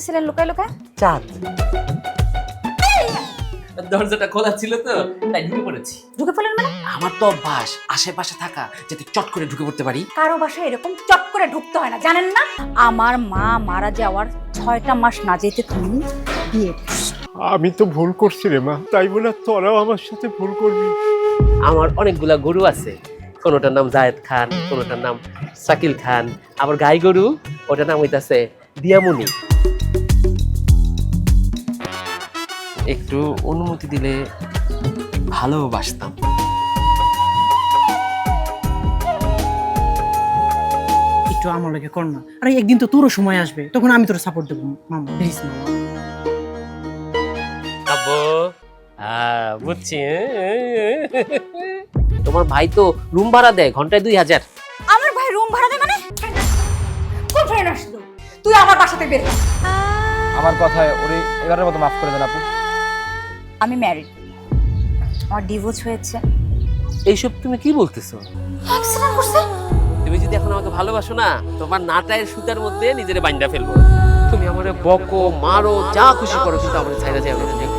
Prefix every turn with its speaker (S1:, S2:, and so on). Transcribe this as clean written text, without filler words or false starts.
S1: আসছিলেন লুকায় লুকায়?
S2: চাঁদ।
S3: দরজাটা খোলা ছিল তো তাই ঢুকে পড়েছি।
S1: ঢুকে পড়লেন মানে?
S3: আমার তো অভ্যাস আশেপাশে থাকা, যাতে চট করে ঢুকে পড়তে পারি।
S1: কারো বাসায় এরকম চট করে ঢুকতে হয় না, জানেন না? আমার মা মারা যাওয়ার 6টা মাস না যেতে তুমি বিয়ে করছো।
S4: আমি তো ভুল করছি রে মা, তাই বলে তোরাও আমার সাথে ভুল করবি।
S3: আমার অনেকগুলা গরু আছে, কোনোটার নাম জায়েদ খান, কোনোটার নাম শাকিল খান, আবার গাই গরু ওটার নাম হইতাছে দিয়ামণি। একটু অনুমতি দিলে ভালোবাসতাম।
S5: একটু আমার লাগে কর না। আরে একদিন তো তোরও সময় আসবে, তখন আমি তোর সাপোর্ট দেবো মামা, প্লিজ মামা।
S3: আব্বু বুঝছি। তোমার ভাই তো রুম ভাড়া দেয় ঘন্টায় 2000।
S1: আমার ভাই রুম ভাড়া দেয় মানে? কোন ফ্রেন্ড আসলো? তুই আমার বাসাতে বের হ।
S2: আমার কথায় ওরে এবারের মতো মাফ করে দেন আপু।
S1: আমি ম্যারিড, আমার ডিভোর্স হয়েছে।
S3: এইসব তুমি কি বলতেছো?
S1: অ্যাক্সিডেন্ট করছে?
S3: তুমি যদি এখন আমাকে ভালোবাসো না, তোমার নাটায়ের সুতার মধ্যে নিজেরে বাইন্ধা ফেলবো। তুমি আমারে বকো মারো যা খুশি করো, কিন্তু আমাদের ছাইরা যাও না।